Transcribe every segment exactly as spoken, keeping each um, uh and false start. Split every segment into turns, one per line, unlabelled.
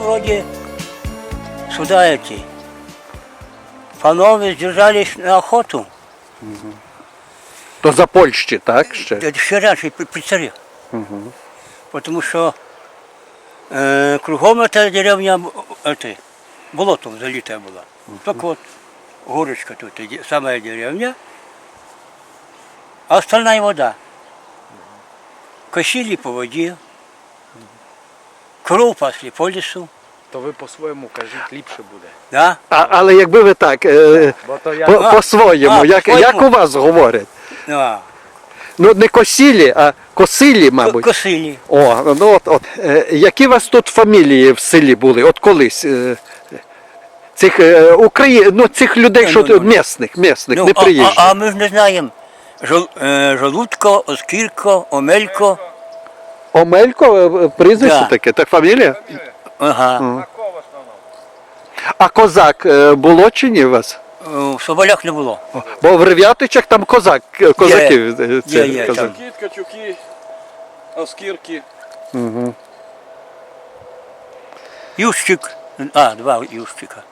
вроде сюда эти панове сдержались на охоту.
То за Польщі, так? Ще?
Это еще раньше, при, при царе. Потому что э, кругом эта деревня, б- это, болотом залитая была. Только вот горочка тут, и де- самая деревня, а остальная вода. Косили по воде, кров пасли по лесу,
То ви по-своєму кажіть, ліпше буде.
да?
А, але якби ви так, е,
Бо то я...
по,
А,
по-своєму,
а,
як,
по-своєму.
як у вас говорять?
А,
Ну не косілі, а косилі,
ко-
мабуть.
косили.
О, ну от, от. Е, які у вас тут фамілії в селі були? От колись? Е, цих, е, Украї... ну, цих людей,
Ну,
що
ну,
тут,
ну.
місних, місних,
Ну,
не
а,
приїжджих.
а, а ми ж не знаємо. Жол, е, Жолудко, Оскірко, Омелько.
Омелько, е, прізвище
Да.
таке, так фамілія?
Ага.
А козак е, було чи ні у вас?
В Соболях не було.
Бо в Рев'ятичах там козак, е, козаків. е,
Є, є,
козак.
там.
Кіт, качуки, оскірки.
Ющик. А, два Ющика.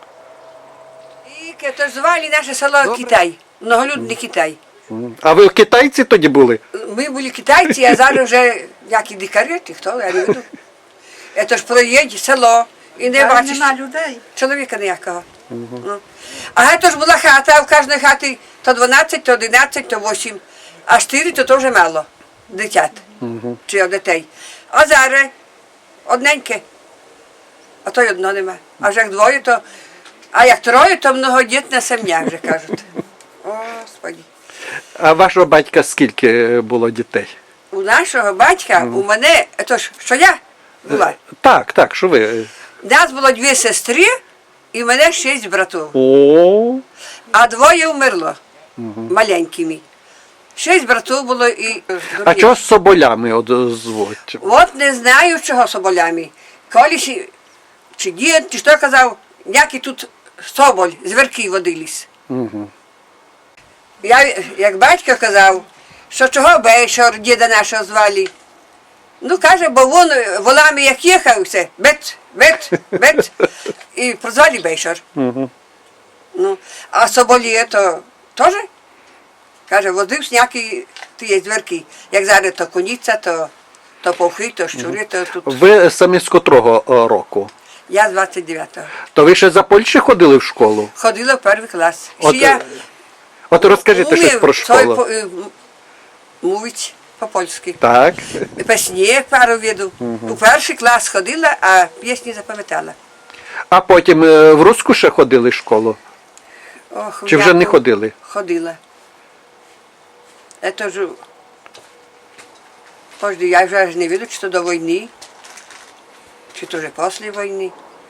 І то ж звали наше село Китай, многолюдний Китай.
А ви китайці тоді були?
Ми були китайці, а зараз вже які дикарі, чи хто, я не веду. Це ж проїдь село і не бачиш
людей.
чоловіка ніякого. Ну. А це ж була хата, а в кожної хаті то дванадцять, то одинадцять, то вісім, а чотири то теж мало дитят, чи дітей. А зараз одненьке, а то й одно нема. А вже як двоє, то, а як троє, то многодітна сім'я, вже кажуть. Господи.
А вашого батька скільки було дітей?
У нашого батька, у мене, то ж, що я була,
Так, так, що ви?
нас було дві сестри і в мене шість братів.
О,
А двоє вмерло маленькими. Шість братів було і
а чого з соболями от звуть?
От не знаю, чого соболями. Колись чи дід, чи що казав, які тут соболь, зверки водились. Я, як батько казав, що чого Бейшор, діда нашого звали. Ну, каже, бо він волами як їхав, все, бет, бет, бет, і прозвали Бейшор. Ну, а соболі то теж, каже, водив сняки ті зверки. Як зараз то коніця, то, то повхи, то щури, то тут.
Ви самі з котрого о, року?
Я з двадцять дев'ятого.
То ви ще за Польщі ходили в школу?
Ходила в перший клас. Ще
От,
я
От розкажіть щось
умів
про
цой
школу.
по- е, м- мовить по-польськи.
Так.
Пісні пару віду. У перший клас ходила, а пісні запам'ятала.
А потім е, в Руску ще ходили в школу?
Ох,
Чи вже не
я
ходили?
Ходила. Это ж... Пожди, я вже аж не віду, чи то до війни, чи то вже після війни.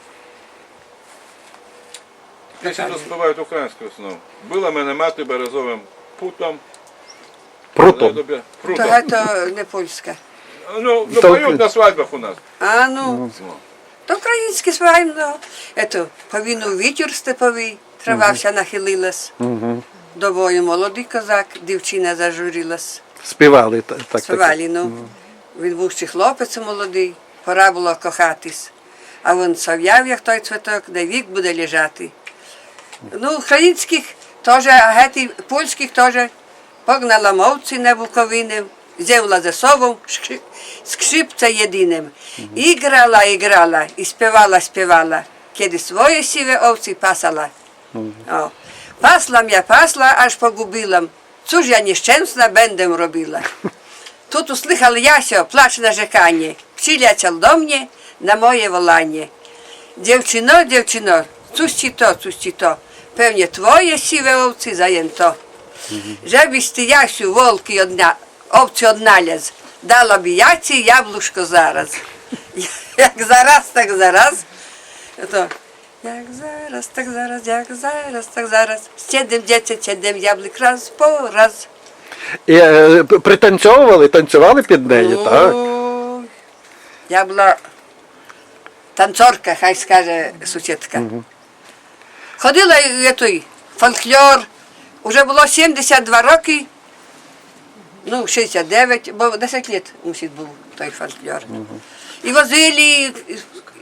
Пісні розпівають українською основу. Била мене мати березовим путом.
Прутом.
То
Прутом.
це не польська.
Ну, ну
То-
поють на свадьбах у нас.
А ну, то українське свайно. Ето, повинен вітер степовий, трава вся нахилилась. До бою молодий козак, дівчина зажурилась.
Співали та- так. так.
Співали, ну. Він був ще хлопець молодий, пора було кохатись. А він сов'яв, як той цвіток, де вік буде лежати. Ну, українських теж, а гети польських теж погнала мовці на Буковини, взяла за собою шкри- скрипця єдиним. І грала, і грала, і співала, співала, kiedy своє сіве овці пасала. О. Пасла я пасла, аж погубила. Cóż ja nieszczęsna będę robiła. Тут услыхал Ясio плач narzekanie. Przyjaciel do mnie na moje wolanie. Dziewczyno, dziewczyno, cóż ci to, cóż ci to. Pewnie twoje siwe owcy zajęto. Żebyś ty, Jasiu, wolki odna, owcy odnalazł. Dala by ja ci jabłuszko zaraz. Jak zaraz, tak zaraz. To jak zaraz, tak zaraz, jak zaraz, tak zaraz. Siedem dziecię, siedem jabłek raz po raz.
І е, пританцьовували, танцювали під неї, так?
Ой, Я була танцорка, хай скаже сусідка. Ходила в той фольклор, вже було сімдесят два роки, ну, шістдесят дев'ять, бо десять років мусить був той фольклор. І возили,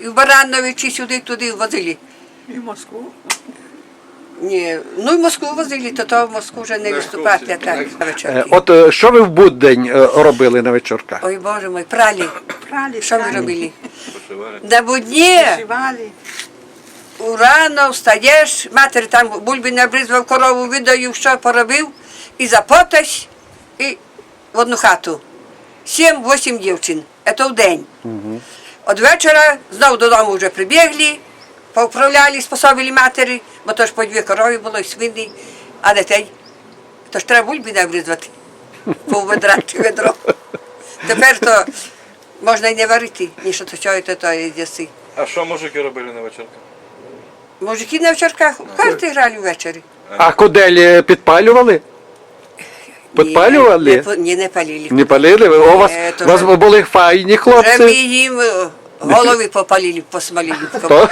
і в Барановичі сюди, туди возили.
І в Москву.
Ні, ну і в Москву возили, то то в Москву вже не виступати, а так, на
Е,
вечірки.
От е, що ви в будень е, робили на вечірках?
Ой, Боже мой, пралі.
Прали,
Що ми
прали,
робили?
Пошивали.
На будні
Шивали.
рано встаєш, матері там бульби набризвав, корову видаю, що поробив, і запоташ, і в одну хату. Сім-вісім дівчин, це в день. От вечора знову додому вже прибігли, поуправляли, способили матері, бо то ж по дві корови було, і свині, а дітей. То ж треба бульби набризувати, по ведра чи ведро. Тепер то можна й не варити, ні що то чого, то то їсти.
А що мужики робили на вечірках?
Мужики на вечірках в карти грали ввечері.
А коделі підпалювали? Підпалювали?
Ні, не, по- ні, не палили.
Не палили? У вас,
Е, то
у вас
вже-
були файні
Вже ми
хлопці?
їм е, голови попалили, посмалили.
То?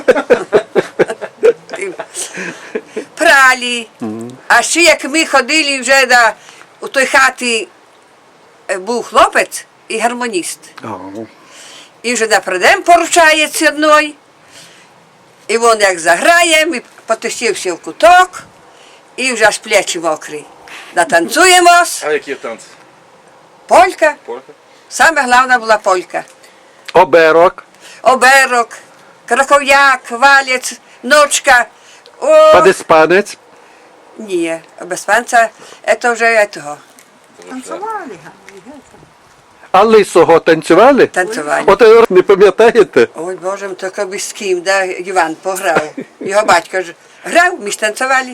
Пралі. А ще як ми ходили вже до, у той хаті е, був хлопець і гармоніст.
О,
І вже напредем поручається одної. І він як заграє, ми потисівся в куток, і вже аж плечі мокрі. Натанцюємось.
А які танці?
Полька.
Полька?
Саме головна була полька.
Оберок,
Оберок, краков'як, валець, ночка. О,
падиспанець.
ні, без панця, це вже того,
Танцювали. га,
А лисого танцювали?
танцювали.
От е, не пам'ятаєте?
Ой, Боже, ми тільки би з ким, да, Іван пограв. Його батько ж грав, ми ж танцювали.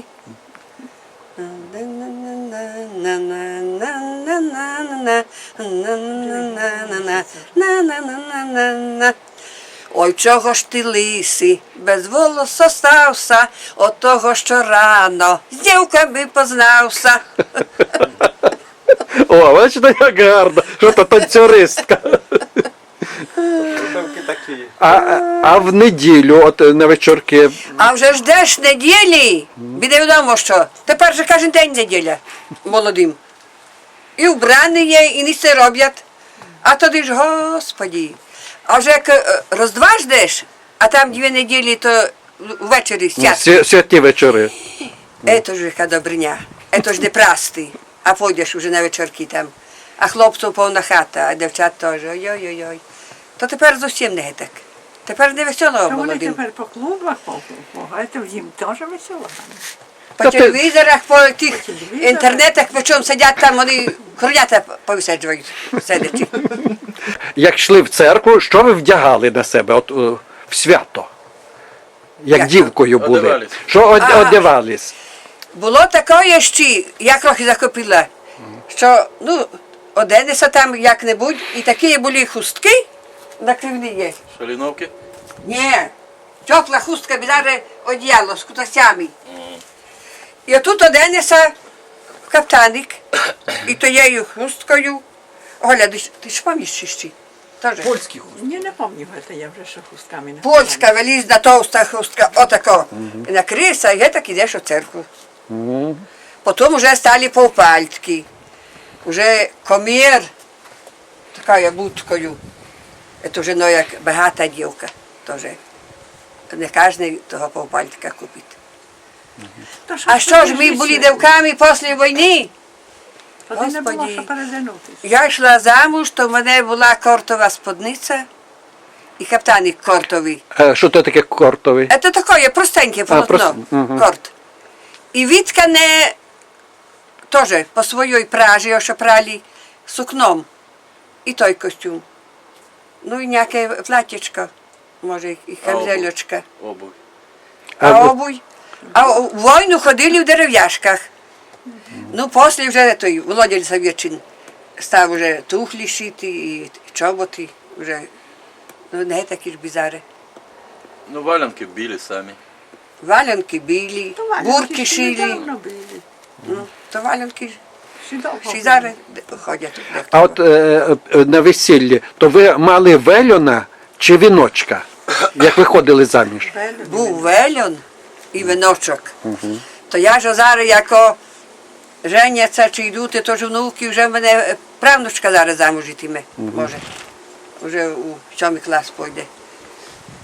Ой, чого ж ти лисий, без волоса стався, от того, що рано з дівками познався.
О, бачите, як гарно, що то танцюристка. А, а- а в неділю, от е, на вечірки,
А вже ждеш неділі, буде відомо, що тепер же кожен день неділя молодим. І вбрані є, і ніч не роблять. А тоді ж, Господі, а вже як е, роздва ждеш, а там дві неділі, то ввечері
ну,
сядь.
свя- святі вечори.
Ето ж яка добриня, ето ж де прасти, а пойдеш уже на вечірки там. А хлопців повна хата, а дівчат теж, ой-ой-ой. То тепер зовсім не так. Тепер не весело
Та вони
молодим.
тепер по клубах, по, по, по, це їм теж весело.
По
Та ти-
телевізорах, по тих
телевізорах.
інтернетах, по чому сидять там, вони кров'ята повисаджують, сидячи.
Як йшли в церкву, що ви вдягали на себе от, е, в свято? Як
Як?
дівкою були?
Одягались.
Що од-
Ага.
одягались?
Було таке ще, я трохи захопила, що, ну, оденеться там як-небудь, і такі були хустки на кривлі.
Шаліновки?
Ні, тепла хустка, біля одіяло з кутасями. І отут оденеться каптаник, і тією хусткою. Оля, ти ж- ти ж пам'ятаєш ще? Теж.
Польський хуст.
Ні, не пам'ятаю, це я вже що хустками не
Польська велізна товста хустка, отако. І накриється, і так ідеш у церкву. Потім вже стали повпальтки. Уже комір, такою будкою. Це вже ну, як багата дівка. Теж. Не кожен того повпальтика купить.
То
А що ж ми були дівками після війни?
Тоді не було
Господі.
що передянутися.
Я йшла замуж, то в мене була кортова сподниця і каптаник кортовий.
Е, Що то таке кортовий?
Це таке простеньке полотно,
просто, мгм.
корт. І відкане теж по своїй пражі, що прали сукном. І той костюм. Ну і ніяке платічко, може, і камзельочка.
Обувь.
А
А ви-
обуй. А в війну ходили в дерев'яшках. Ну, після вже той Володя Лісовєчин став вже тухлі шити і чоботи вже. Ну, не такі ж бізари.
Ну, валянки білі самі.
Валянки білі,
То валянки
бурки
ще
шили.
недавно були.
Ну, то валянки
Ще довго
ще й
були.
зараз ходять. дехто.
А от е, е, на весіллі, то ви мали вельона чи віночка, як виходили заміж?
Велю.
Був вельон і виночок. То я ж зараз, як женяться чи йдуть, то ж внуки, вже в мене е, правнучка зараз замуж йтиме, може. Вже у сьомий клас пойде.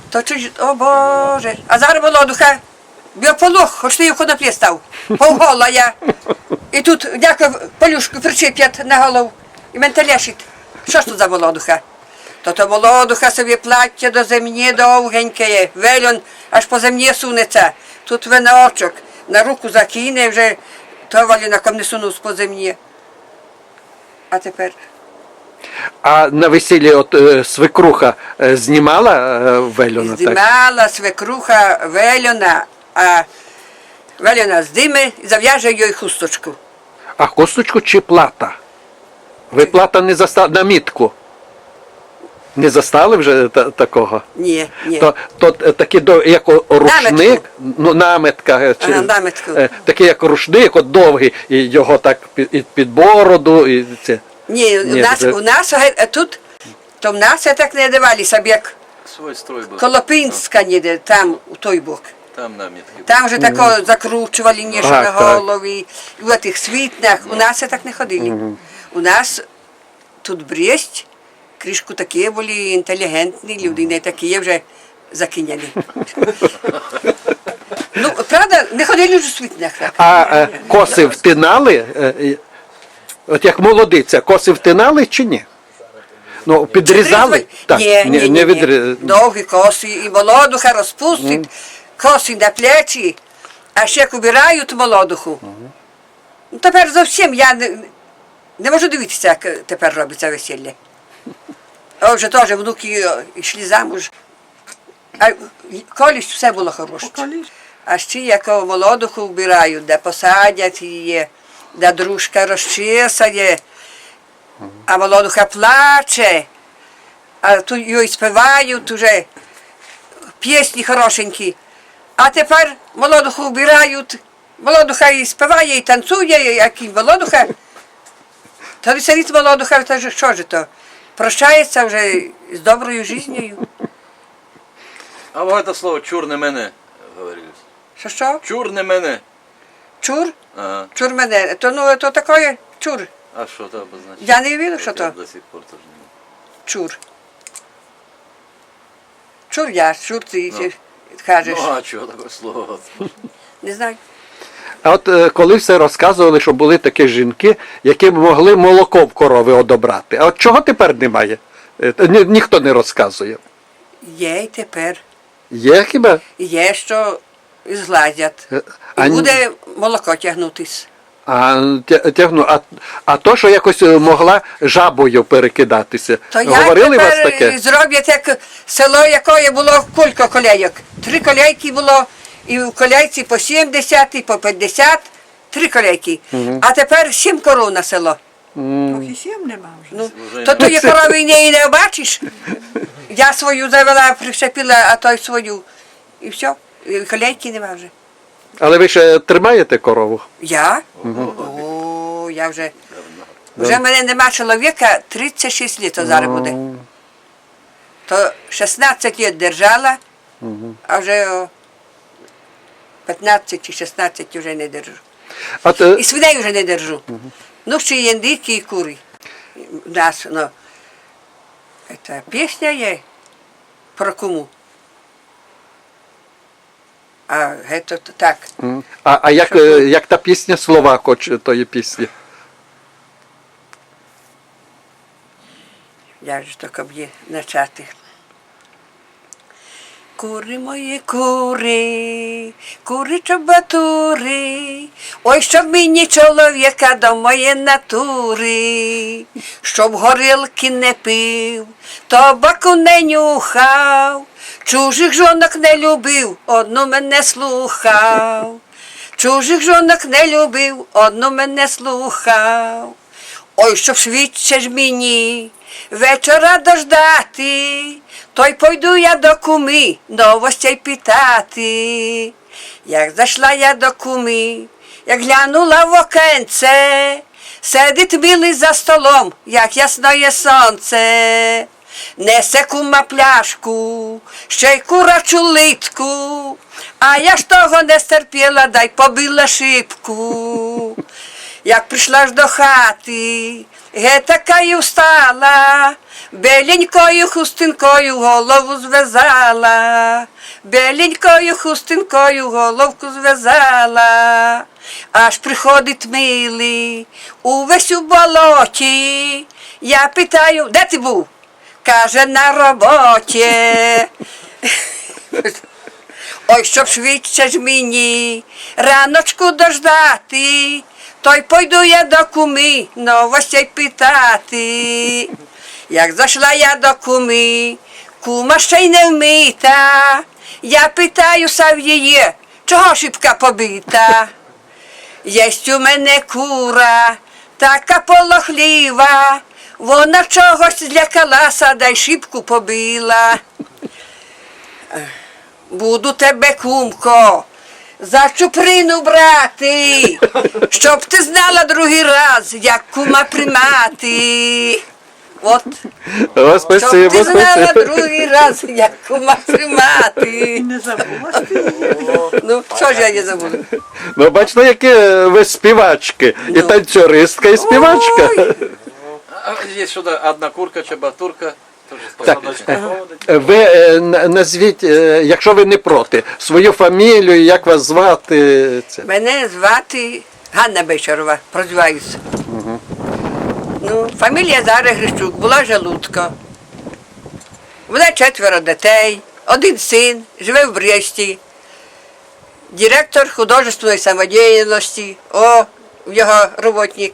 То чуть, о Боже. А зараз молодуха, біополох, хоч ти в коноплі став. Повгола я. І тут дяка полюшку причеп'ять на голову. І мене телешить. Що ж тут за молодуха? То то молодуха собі плаття до землі довгеньке є. Вельон аж по землі сунеться. Тут виночок. На руку закине вже, то валінаком не сунув по землі. А тепер?
А на весіллі от е, свекруха е, знімала е, вельона? Так?
Здимала свекруха вельона, а вельона здиме і зав'яже їй хусточку.
А хусточку чи плата? Ви плата не застали на мітку? Не застали вже та, такого?
Ні, ні.
То, то е, такі до, як о- рушник,
Наметку.
ну наметка, е, чи,
Ага, наметку.
е, такий як рушник, от довгий, і його так під, і під бороду, і це.
Ні,
Ні,
у нас,
це-
у нас а тут, то в нас так не давалися, як
Свой строй был.
Колопинська ніде, там, у той бок.
Там намітки.
Там вже тако закручували ніж
Так,
на
так.
голові, і в тих світнах. У нас так не ходили. У нас тут Бресть, кришку такі були інтелігентні люди, не такі вже закиняні. Ну, правда, не ходили вже в світнах так.
А е, коси втинали? Е, і- от як молодиця, коси втинали чи ні? Ну, підрізали?
Так, ні, ні, ні,
не
ні.
відрі-
Довгі коси, і молодуха розпустить, коси на плечі, а ще як убирають молодуху. Ну, тепер зовсім я не, не можу дивитися, як тепер робиться весілля. А вже теж внуки о, йшли замуж. А колись все було хороше. А ще як молодуху вбирають, де посадять її, де дружка розчесає, а молодуха плаче, а тут їй співають уже пісні хорошенькі. А тепер молодуху вбирають, молодуха і співає, і танцює, як і молодуха. То веселить молодуха, то ж що ж то? Прощається вже з доброю життю.
А вот это слово чур не мене, говорили.
Що що?
Чур не мене.
Чур?
Ага.
Чур мене. То ну то таке чур.
А що це обозначає?
Я не вірю, що
Вот я
то.
До сих пор теж не знаю.
Чур. Чур я, чур ти
Ну.
кажеш.
Ну а чого таке слово?
Не знаю.
А от е, коли все розказували, що були такі жінки, які могли молоко в корови одобрати. А от чого тепер немає? Е, та ні- ніхто не розказує.
Є й тепер.
Є хіба?
Є, що згладять.
Е,
І
а ні-
буде молоко тягнутись.
А, тя- тягну, а, а то, що якось е, могла жабою перекидатися.
То я
Говорили вас
тепер
таке?
зроблять як село, якої було кілька колейок. Три колейки було, і в колейці по сімдесят, і по п'ятдесят, три колейки. А тепер сім коров на село.
Поки сім нема вже.
Ну,
Вже
то тої корови не, не бачиш. Я свою завела, прищепила, а той свою. І все. І колейки нема вже.
Але ви ще тримаєте корову?
Я? О, я вже. Вже в мене нема чоловіка, тридцять шість літ зараз буде. То шістнадцять літ держала, а вже о, п'ятнадцять чи шістнадцять вже не держу.
От, е,
І свиней вже не держу. Ну, ще є індики і кури. У нас, ну, це пісня є про кому. А це так.
м. а, а як, е, як та пісня слова хоч тої пісні?
Я ж так б'є начати. Кури мої кури, кури чобатури, ой, щоб мені чоловіка до моєї натури, щоб горілки не пив, табаку не нюхав, чужих жонок не любив, одну мене слухав, чужих жонок не любив, одну мене слухав. Ой, щоб швидше ж мені вечора дождати, то й пойду я до куми новостей питати. Як зайшла я до куми, як глянула в окенце, сидить милий за столом, як ясноє сонце. Несе кума пляшку, ще й курачу литку, а я ж того не стерпіла, дай побила шибку. Як прийшла ж до хати, ге така й встала, беленькою хустинкою голову зв'язала, беленькою хустинкою головку зв'язала, аж приходить милий, увесь у болоті. Я питаю, де ти був? Каже, на роботі. Ой, щоб швидше ж мені раночку дождати, то й пойду я до куми новостей питати. Як зайшла я до куми, кума ще й не вмита, я питаю Сав'єє, чого шибка побита? Єсть у мене кура, така полохліва, вона чогось злякалася, да й шибку побила. Буду тебе, кумко, за чуприну брати, щоб ти знала другий раз, як кума примати. От,
О,
щоб
спасибо,
ти знала
спасибо.
другий раз, як кума примати.
Не забула ж ти її.
Ну, що ж я не забуду?
Ну, бачите, які ви співачки. І танцюристка, і співачка.
Ой.
А є сюди одна курка, чебатурка. Теж
Так,
посадочка ходить.
ви е, н- назвіть, е, якщо ви не проти, свою фамілію, як вас звати. Це.
Мене звати Ганна Бечарова, прозиваюся. Ну, фамілія Зара Грищук, була Желудко. Вона четверо дітей, один син, живе в Бресті. Директор художественної самодіяльності, о, його роботник.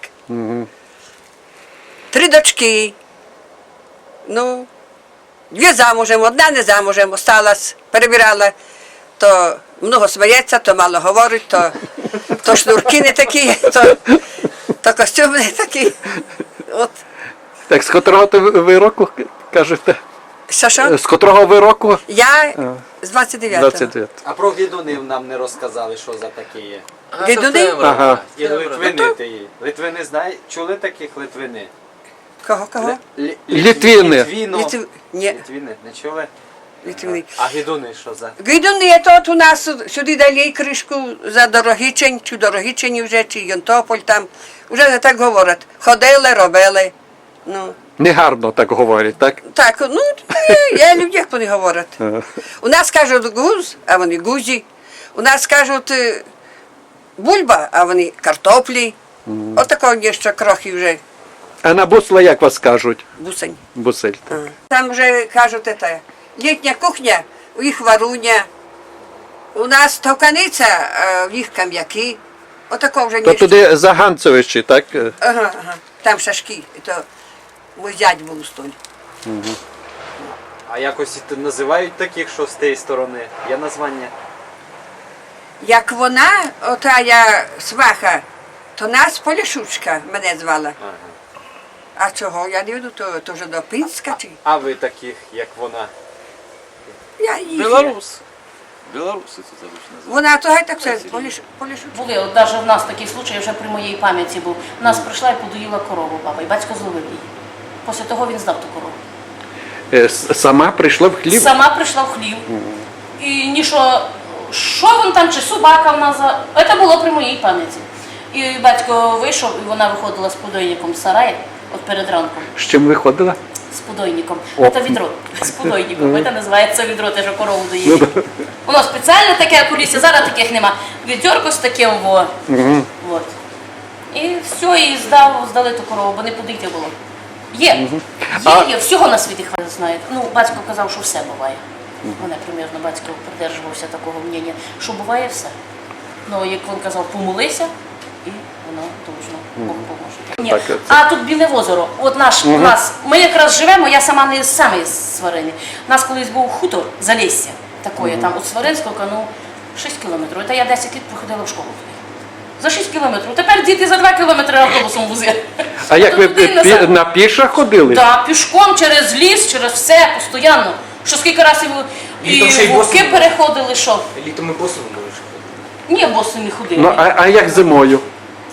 Три дочки. Ну, дві замужем, одна не замужем, осталась, перебирала. То много сміється, то мало говорить, то, то шнурки не такі, то, то костюми не такі. От.
Так, з котрого ти ви ви року кажете?
Що, що?
З котрого ви року?
Я з двадцять дев'ятого.
двадцять дев'ять.
А про відунів нам не розказали, що за таке є.
А,
Дідуни?
септембр.
Ага.
І
Септембр.
Литвини ти є. Литвини знають? Чули таких Литвини?
Кого, кого?
Лі-
Літвіни.
Літвіно.
Літв... Ні,
Літвіни, не чули?
Літвини.
А гідуни що за?
Гайдуни, то от у нас сюди далі кришку за Дорогичень, чи Дорогичені вже, чи Йонтополь там. Вже так говорять. Ходили, робили. Ну,
Негарно так говорять, так?
так, ну, ні, я люблю, як вони говорять. У нас кажуть гуз, а вони гузі. У нас кажуть е, бульба, а вони картоплі. Отакого є ще крохи вже
А на бусла як вас кажуть?
бусень.
Бусель.
Там вже кажуть, це, літня кухня, у їх варуня. У нас товканиця, а в їх кам'яки. Отако вже
То
ні.
туди Заганцевичі, так?
Ага, ага. Там шашки. І то мій дядь був у столі.
А якось і називають таких, що з тієї сторони? Є названня?
Як вона, ота я сваха, то нас Полішучка мене звала.
Ага.
А чого? Я не веду, то, то вже до Пінська чи?
А ви таких, як вона?
Я їх.
Білорус. Білоруси це обично називають.
Вона то гай так все, Поліш, Полішучка.
Були, от навіть в нас такий случай вже при моїй пам'яті був. У нас прийшла і подоїла корову баба, і батько зловив її. Після того він здав ту корову.
Е, с- Сама прийшла в хліб.
Сама прийшла в хлів. І ніщо, що він там, чи собака в нас, за- це було при моїй пам'яті. І батько вийшов, і вона виходила з подойником з сараю, от перед ранком.
З чим виходила?
З подойником.
О.
Це відро. З подойником. Це називається відро, те, що корову доїли. Воно спеціально таке кулісся, зараз таких нема. Відьорко з таким во. От. І все, і здав, здали ту корову, бо не подійти було. Є. Є, є, всього на світі хватить знає. Ну, батько казав, що все буває. Мене примірно батько придержувався такого мнення, що буває все. Ну, як він казав, помолися, і воно точно Бог поможе. Ні.
Так, це-
А тут Біле озеро. От наш, у нас, ми якраз живемо, я сама не саме з Сварини. У нас колись був хутор Залісся, такої, там від Сваринського, ну, шість кілометрів. Та я десять літ проходила в школу туди. За шість кілометрів. Тепер діти за два кілометри автобусом возять.
А як ви
Туди,
пі-
назад.
на пішах ходили?
Так, пішком через ліс, через все, постійно. Що скільки разів і
Літом ще й
вовки
босими.
переходили, що?
Літом ми босово можеш ходити.
Ні, босими ходили.
Ну, а, а як зимою?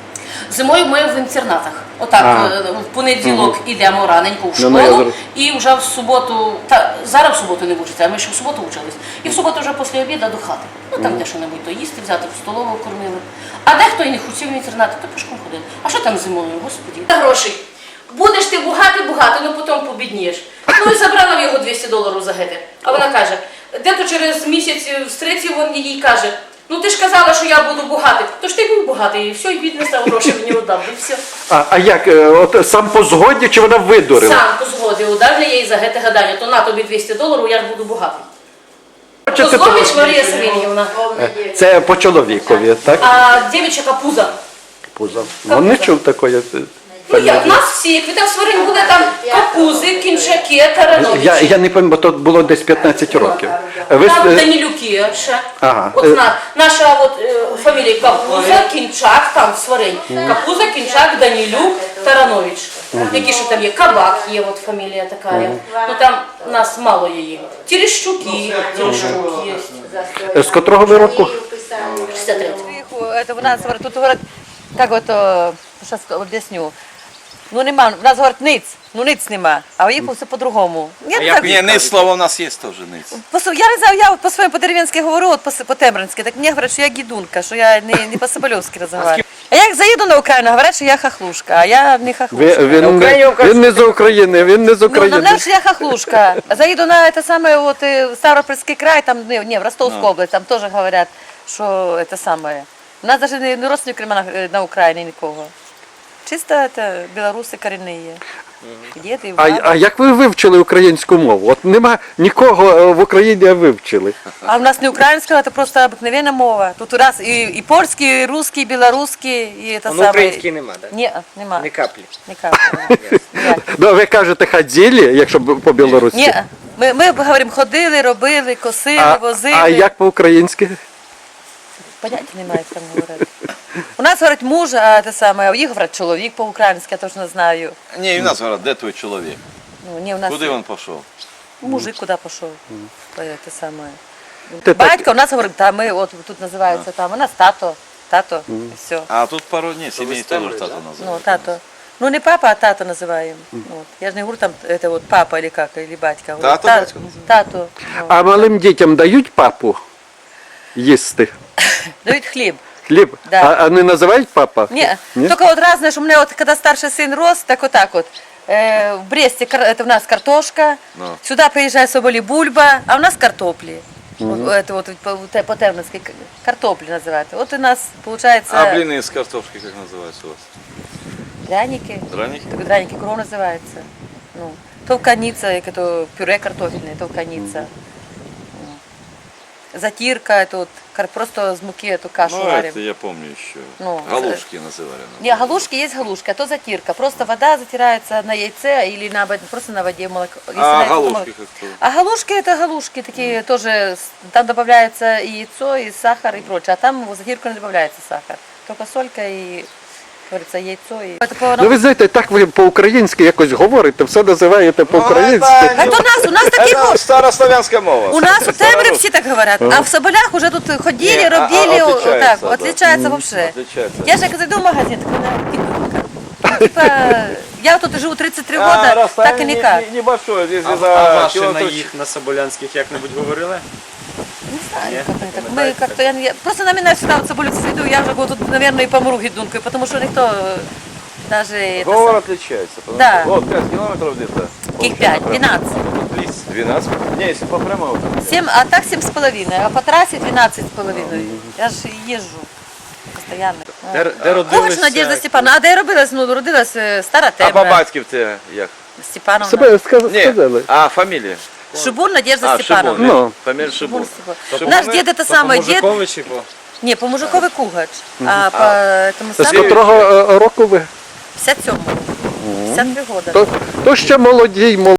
Зимою ми в інтернатах. Отак,
А.
е, в понеділок ідемо раненько в
Ну, ну, я
школу,
зрозумів.
і вже в суботу, та зараз в суботу не вчиться, а ми ще в суботу вчились. І в суботу вже після обіду до хати. Ну там де що-небудь то їсти, взяти в столову кормили. А дехто і не хотів в інтернат, то пішком ходив. А що там зимою, господі? Та грошей. Будеш ти багатий, багатий, ну потім побіднієш. Ну і забрала в його двісті доларів за гете. А вона каже, де-то через місяць встретив він їй каже, ну ти ж казала, що я буду багатий. То ж ти був багатий, і все, і бідний став, гроші мені віддав, і все.
А, а як, е, от сам по згоді, чи вона видурила?
Сам по згоді удав їй за гете гадання, то на тобі двісті доларів, я ж буду багатий.
Хочете
Козлович
того?
Марія Савельєвна,
Це по чоловікові, так?
а дівча капуза.
Пузо. Ну, не чув такої. е,
Ну як,
фамілії.
в нас всі, як ви там сварені були, там капузи, кінчаки, тарановичі.
Я, я не пам'ятаю, бо то було десь п'ятнадцять років. Ви,
Там
е,
Данилюки ще.
Ага.
От на, наша от, е, фамілія Капуза, Кінчак, там сварень. Капуза, Кінчак, Данилюк, Таранович. Які ще там є? Кабак є, от фамілія така. є. Ну там нас мало її. Терещуки, Терещук є.
з котрого ви року?
шістдесят три.
Это у нас говорят, тут говорят, как вот, сейчас объясню. Ну нема, у нас говорят ниц, ну ниц нема, а у їх все по-другому. Я, так,
Ні, не слово у нас є теж ниць.
по, я не знаю, я от по-своєму по-деревенськи говорю, от по- по-тембринськи, так мені говорять, що я гідунка, що я не, не по-соболівськи розмовляю. А як заїду на Україну, говорять, що я хахлушка, а я не
Ви,
хахлушка.
він, не, він не з України, він не з
Ну,
України.
нам що я хохлушка. Заїду на це саме от, е, Ставропольський край, там, не, не, в Ростовську область, там теж говорять, що це саме. У нас навіть не, не родственників нема на, на Україні нікого. Чисто це білоруси корінні є. Діти, і
А,
баби.
а як ви вивчили українську мову? От нема нікого е, в Україні, а вивчили.
А в нас не українська, це просто обикновенна мова. Тут у нас і, і польський, і русський, і білоруський, і це
Ну,
саме.
український нема, так?
Ні, нема.
Ні каплі.
Ні каплі. Ніяк.
Ну, ви кажете ходили, якщо б по білоруськи.
Ні, ми, ми говоримо, ходили, робили, косили,
А,
возили.
а як по-українськи?
Поняття немає, як там говорити. У нас говорять муж, а те саме, а у їх говорять чоловік по-українськи, я точно знаю.
Ні, і в нас говорять, де твій чоловік?
Ну, ні, у нас
Куди він пішов?
мужик куди пішов. То є те саме.
Ти так-
Батько у нас говорить, та ми от тут називається там, у нас тато, тато, і все.
А тут пару днів сім'ї теж тато
Ну,
називають.
тато. Ну, не папа, а тато називаємо. От. Я ж не говорю там, это вот папа или как, или батька. Говорю,
Тато,
та-
батько називають.
Тато. Ну.
А малим дітям дають папу їсти?
Дають хліб.
Хліб?
Да.
А, а не називають папа?
Не,
Ні?
только вот раз, знаешь, у меня вот когда старший сын рос, так вот так вот. Э, в Бресте кар- это у нас картошка,
Ну.
сюда приезжает соболи бульба, а у нас картопли. Вот, это вот по, по- по-терновски к- картопли называют. Вот у нас получается
А бліни з картошки як називаються у вас?
пряники.
Драники?
Так, драники кров называется. Ну, толканица, это пюре картофельное, толканица. Ну. Затирка, это вот кар- просто с муки эту кашу
Ну,
варим.
це я пам'ятаю ще.
Ну,
Галушки називали.
Не, галушки есть галушка, а то затирка. Просто вода затирается на яйце или на, обод- просто на воде молоко. Если на
А
яйце, то
галушки
молоко.
як то?
А галушки это галушки такие тоже, с- там добавляется и яйцо, и сахар, и прочее. А там в затирку не добавляется сахар. Только солька и, как говорится, яйцо. И... Это по...
Ну ви знаєте, так ви по-українськи якось говорите, все називаєте по-українськи.
Это у нас, у нас такие...
Це старослов'янська мова.
У нас у Темрі всі так говорять, а в Соболях уже тут ходили,
Ні, а- а
робили,
отличается,
так,
да.
отличается вообще.
Отличается.
Я же як зайду в магазин, так вона кидунка. Ну, Типа, я тут живу тридцать три года, так и никак.
Небольшое, здесь
А,
за
а ваші на
километров
їх на Соболянських як-небудь говорили?
Не знаю, как они так. Мы как-то, я, я, просто на меня всегда вот Соболевцы иду, я уже вот тут, наверное, и помру гидункой, потому что никто э, даже... это
Говор
сам-
отличается. потому
Да.
что- Вот пять километров где-то.
Каких пять? двенадцать.
двенадцать? Не, если по прямой. вот.
семь, а так семь с половиной, а по трассе двенадцать с половиной. Я же езжу постоянно.
Де, де
Когач
родилися?
Надежда Степановна, а де я родилась? Ну, родилась е, Стара
А по
Темра.
батьки в тебе як?
Степановна.
Себе сказ-
Ні,
сказали.
а фамілія?
Шибун Надежда
А,
Степановна.
Шибун.
Ну.
Фамілія Шибун.
Шибун Степановна. Наш дед это самый дед.
Мужикові чи по?
Не, по мужикові Кугач. А по этому
З
самому
котрого е, року ви?
п'ятдесят сьомому. п'ятдесят три года.
То, то ще молоді й молоді.